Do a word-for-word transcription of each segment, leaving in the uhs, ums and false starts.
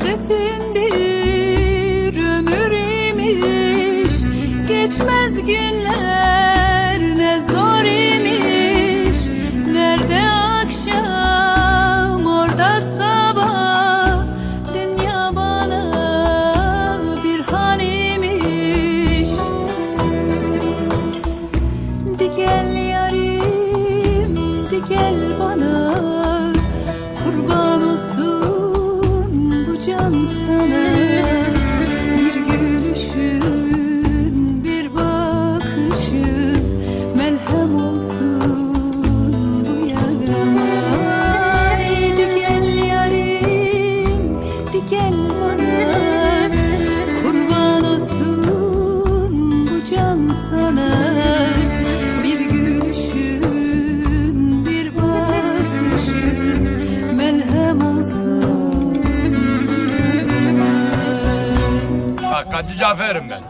Çetin bir ömür imiş, geçmez günler ne zor imiş. Nerede akşam orada sabah, dünya bana bir han imiş. Di gel yarim, di gel bana, kurban olsun bu can sana. Bir gülüşün, bir bakışın merhem olsun bu yarama. Di gel yarim, di gel bana, kurban olsun bu can sana. Bir gülüşün, bir bakışın merhem olsun bu yarama. Bak Kadı Cafer'im ben.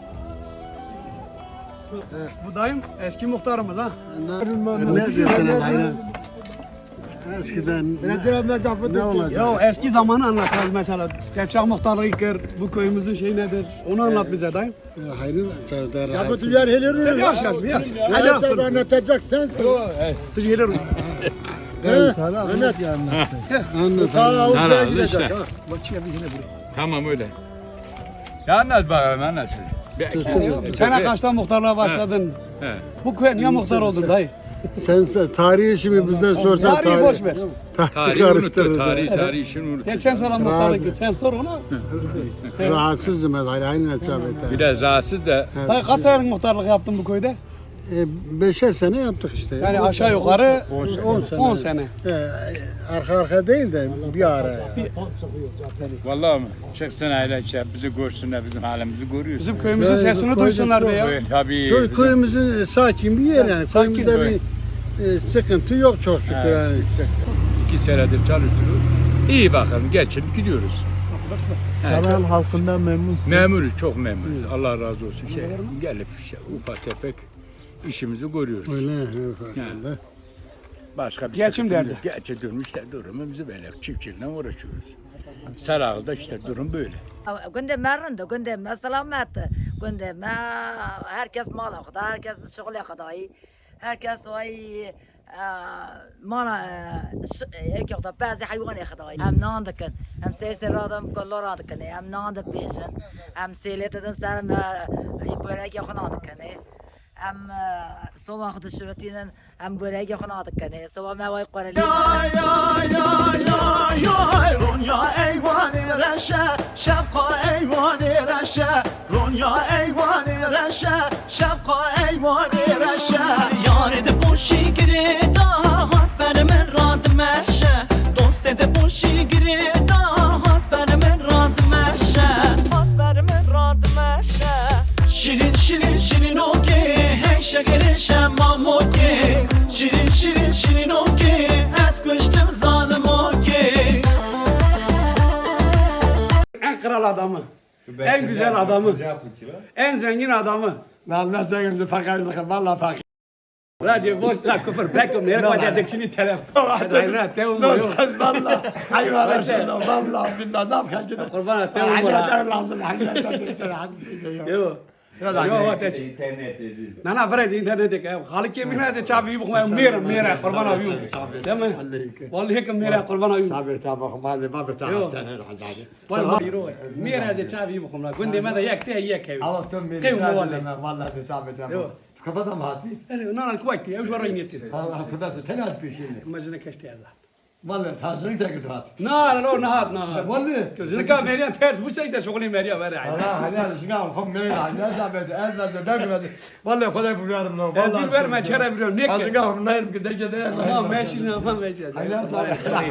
Bu dayım eski muhtarımız ha. Ne diyorsun aynen? Eskiden ne, ne olacak? Ya eski zamanı anlatalım mesela. Gerçek muhtarlığı ilk bu köyümüzün şeyi nedir? Onu anlat bize dayım. Hayır, çavdar. Ya bu tüccar helirur. Yaş yaş bir yaş. Hadi sen anlatacak sensin. Tuş gelir. Anlat. Anlat. Ta Avrupa'ya Sana, gidecek işte. ha. Tamam öyle. Ya anlat bakalım anlat. Sen kaçta muhtarlığa başladın? He. Bu köye niye muhtar oldun dayı? Sen sen tarihi şimdi bizden sorsan Tarihi tarih. boş ver. Tarihi Tarihi unuttu, karıştırırız. tarihi, tarihi işini unuttu. Geçen sene muhtarlık git. Sen sor ona. Rahatsızdım ben hayır aynen çavdar. Biraz rahatsız da Dayı kaç senelik muhtarlık yaptın bu köyde? E, beşer sene yaptık işte. Yani aşağı yukarı on sene. on sene. E, arka arka değil de bir ara. vallahi mi? Çıksın aile şey, bizi görsünler, bizim halimizi görüyorsun. Bizim köyümüzün sesini duysunlar be ya. Evet, tabii. Köy, bizim- köyümüzün sakin bir yer yani. Sakin Köyümüzde köy. bir e, sıkıntı yok çok şükür Evet, yani. İki senedir çalıştırıyoruz. İyi bakalım, geçinip gidiyoruz. Saran halkından memnunsun. Memuruz, çok memnunuz. Allah razı olsun. Şey, gelip şey, ufak tefek işimizi görüyoruz. Öyle farkında. Başka bir Geçim sıkıntı derdi. yok. Gerçi durum işte durumumuz böyle. Çiftçilikle uğraşıyoruz. Sarağı'da işte durum böyle. Günde merindi, günde me selametti, günde me herkes mal akıda, herkes şغل akıda, herkes vay mana ek yakda bazı hayvan akıda. Hem nandıkın, hem seyir adam kollar adıkın, hem nandı peşin, hem seyleteden sen börek yakın adıkın. Hem sabah dışarıtının hem börek yakın adıkın. Sabah mevay qarali. Ya ya ya ya ya Ronya eyvani reşe şefka eyvani reşe Ronya eyvani reşe şefka eyvani reşe Yar de boşi gire dahat benim rad meşe Dost de boşi gire dahat benim rad meşe Hat benim rad meşe Şirin şirin şirin okey hey şekerin şemmam okey Şirin şirin şirin okey es kuştum zalim okey En kral adamı. En güzel adamı. En zengin adamı. Lan ne sen fakirlik valla fakir. Radyo boş la küfür bekum nereye koyacaksın şimdi telefon. Hadi ne te umma yok. Valla hayvan sen valla billahi ne yapayım ki? Kurban te umma. Hakikaten lazım hakikaten sen haklısın. Yok. Yok bak hiç. Na na bırak internete ka. Halı ki mina se çabi bu kuma mera mera kurban abiyo. Tamam. Vallahi ki mera kurban abiyo. Sabır tamam mali baba tamam sen hadi. Vallahi yiro. Mera se çabi bu kuma. Günde ma da yak te yak ev. Allah tüm beni. Kıyım vallahi. Vallahi sabır tamam. Kapatam hadi. Na na kuayti. Ev şoray niyetin. Allah kapattı tenat bir şey. Majına kaçtı ya. Vallahi tazını da gidiyor. Na na na na. Vallahi. Gözünü ka meriyan ters bu çekte şokuni meriya var ya. Allah helal şuna kom ne ya ne sabit ezmez de demez. Vallahi kolay bu yarım no. El bir verme çare biliyorum ne ki. Azıcık ama ne yapayım ki de de. Ama meşin ama meşin. Helal sana.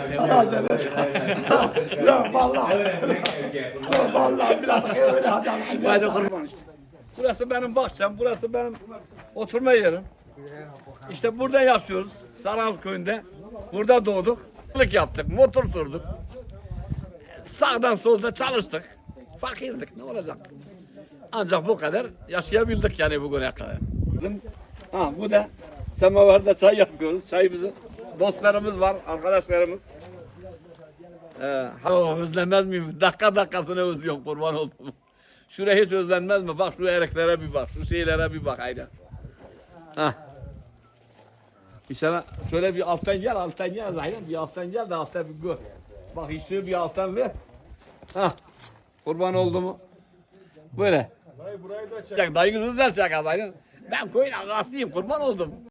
Ya vallahi. Vallahi biraz öyle hadi. Bazı kurban işte. Burası benim bahçem, burası benim oturma yerim. İşte burada yaşıyoruz, Saral köyünde. Burada doğduk, balık yaptık, motor sürdük. Sağdan solda çalıştık. Fakirdik, ne olacak? Ancak bu kadar yaşayabildik yani bugüne kadar. Ha, bu da semavarda çay yapıyoruz. Çayımızı dostlarımız var, arkadaşlarımız. Ee, ha, özlenmez miyim? Dakika dakikasını özlüyorum kurban oldum. Şuraya hiç özlenmez mi? Bak şu ereklere bir bak, şu şeylere bir bak haydi. Hah. İnşallah şöyle bir alttan gel, alttan gel Zahidem. Bir alttan gel de alttan bir gör. Bak işi bir alttan ver. Hah. Kurban oldu mu? Böyle. Dayı burayı da çek. Dayınız güzel çek Zahidem. Ben koyun ağasıyım, kurban oldum.